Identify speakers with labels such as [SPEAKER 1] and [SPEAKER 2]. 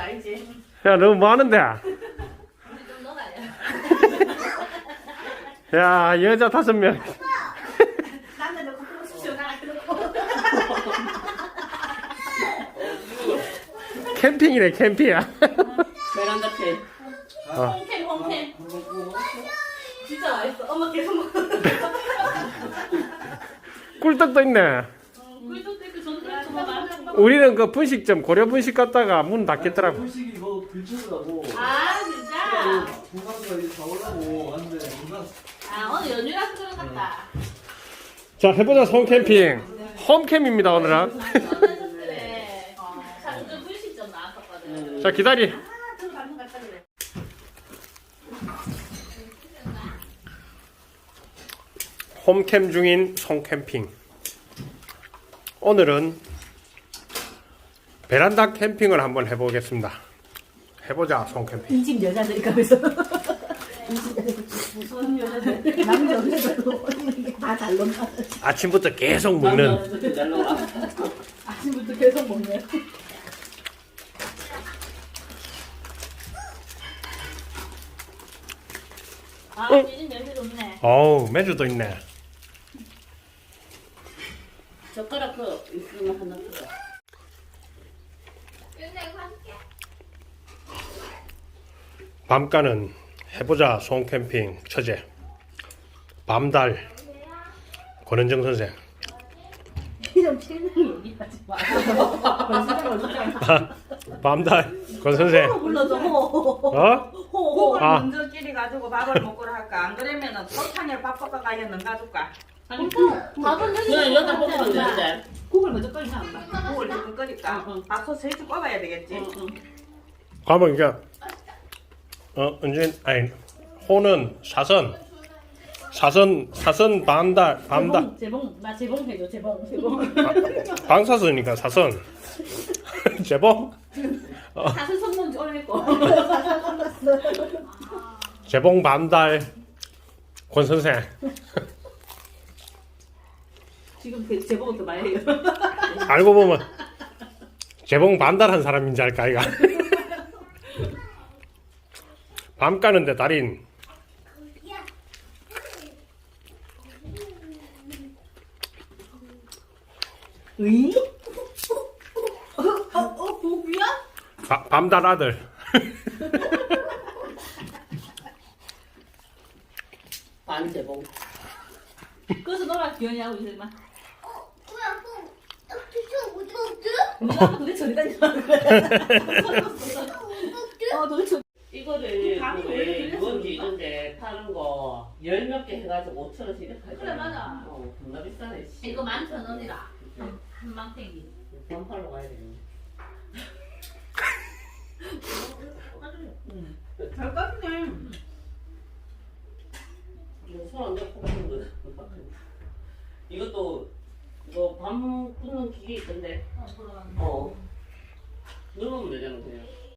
[SPEAKER 1] 알지?
[SPEAKER 2] 야, 너 뭐 하는데?
[SPEAKER 1] 좀 넣어놔요.
[SPEAKER 2] 야, 여자 5명.
[SPEAKER 1] 남자 넣고 싶죠? 나 넣고.
[SPEAKER 2] 캠핑이네, 캠핑이야.
[SPEAKER 3] 베란다 캠.
[SPEAKER 1] 홍캠, 홍캠. 진짜 맛있어. 엄마 계속 먹어.
[SPEAKER 2] 꿀떡도 있네.
[SPEAKER 1] 꿀도 떼고 전도 맛있어.
[SPEAKER 2] 우리는 그 분식점, 고려 분식 갔다가 문 닫겠더라고.
[SPEAKER 4] 음식이 이거 근처더라고.
[SPEAKER 1] 아, 진짜?
[SPEAKER 4] 동남아가 이제 다 올라고 왔는데 동남
[SPEAKER 1] 아, 오늘 연휴라서 그런 것 같다.
[SPEAKER 2] 자, 해보자, 홈캠핑. 홈캠입니다, 오늘은.
[SPEAKER 1] 그래. 장준 분식점 나왔었거든.
[SPEAKER 2] 자, 기다리.
[SPEAKER 1] 아, 저 방금 갔다 그래.
[SPEAKER 2] 홈캠 중인 송캠핑. 오늘은 베란다 캠핑을 한번 해보겠습니다. 해보자, 송캠핑.
[SPEAKER 5] 이 집 여자들이 가면서
[SPEAKER 1] 무슨 여자들?
[SPEAKER 5] 남자 없어도 다잘 논다.
[SPEAKER 2] 아침부터 계속 먹는.
[SPEAKER 3] 날라와.
[SPEAKER 5] 아침부터 계속 먹네.
[SPEAKER 1] 아, 이집 냄새 좋네.
[SPEAKER 2] 어우, 매주도 있네.
[SPEAKER 3] 젓가락 그 있으면 하나 줘.
[SPEAKER 2] 밤가는 해보자, 송캠핑 처제. 밤달. 권은정 선생.
[SPEAKER 5] 이름 실명이 얘기하지 마.
[SPEAKER 2] 밤달. 권 선생.
[SPEAKER 5] 불러줘.
[SPEAKER 2] 어?
[SPEAKER 5] 호호.
[SPEAKER 2] 아.
[SPEAKER 6] 먼저끼리 가지고 밥을 먹으러 할까? 안 그러면은 설탕에 밥 볶아 가야는 가줄까?
[SPEAKER 1] 밥은
[SPEAKER 3] 그냥 여기다 볶으면 되는데.
[SPEAKER 5] 국을 먼저 끓이면 안 돼.
[SPEAKER 6] 국을 조금 끓일까? 밥솥 세줄 꼽아야 되겠지?
[SPEAKER 2] 가면 이게 언제 아니 호는 사선 밤달
[SPEAKER 5] 재봉 나 재봉 해줘 재봉.
[SPEAKER 2] 방사선이니까 사선 재봉
[SPEAKER 1] 다섯 손만 올리고.
[SPEAKER 2] 재봉 밤달 권 선생.
[SPEAKER 5] 지금 그 재봉부터 말해요.
[SPEAKER 2] 알고 보면 재봉 반달한 사람인지 알까 이가. 밤 까는데 달인.
[SPEAKER 5] 의? 복이야?
[SPEAKER 2] 밤달 아들.
[SPEAKER 3] 반제봉.
[SPEAKER 5] 그래서 너랑 기현이 하고 있지만.
[SPEAKER 7] 뭐야,
[SPEAKER 5] 도대체 어디 다니는 도대체
[SPEAKER 3] 이거를
[SPEAKER 1] 감이
[SPEAKER 3] 그
[SPEAKER 1] 원래
[SPEAKER 3] 왜
[SPEAKER 1] 이래서
[SPEAKER 3] 누군지 이런데 파는 거 10몇 개 해가지고 5,000원씩 이렇게 하잖아.
[SPEAKER 1] 그래, 맞아.
[SPEAKER 3] 겁나 비싸네. 씨.
[SPEAKER 1] 이거 11,000원이라. 한 망탱이.
[SPEAKER 3] 반팔로 가야 되겠네.
[SPEAKER 6] 잘 깠네.
[SPEAKER 3] 손안 잡고 가는 거. 이것도 이거 밤 굽는 기계 있던데.
[SPEAKER 1] 돌아가는
[SPEAKER 3] 어. 누르면 되잖아 그냥.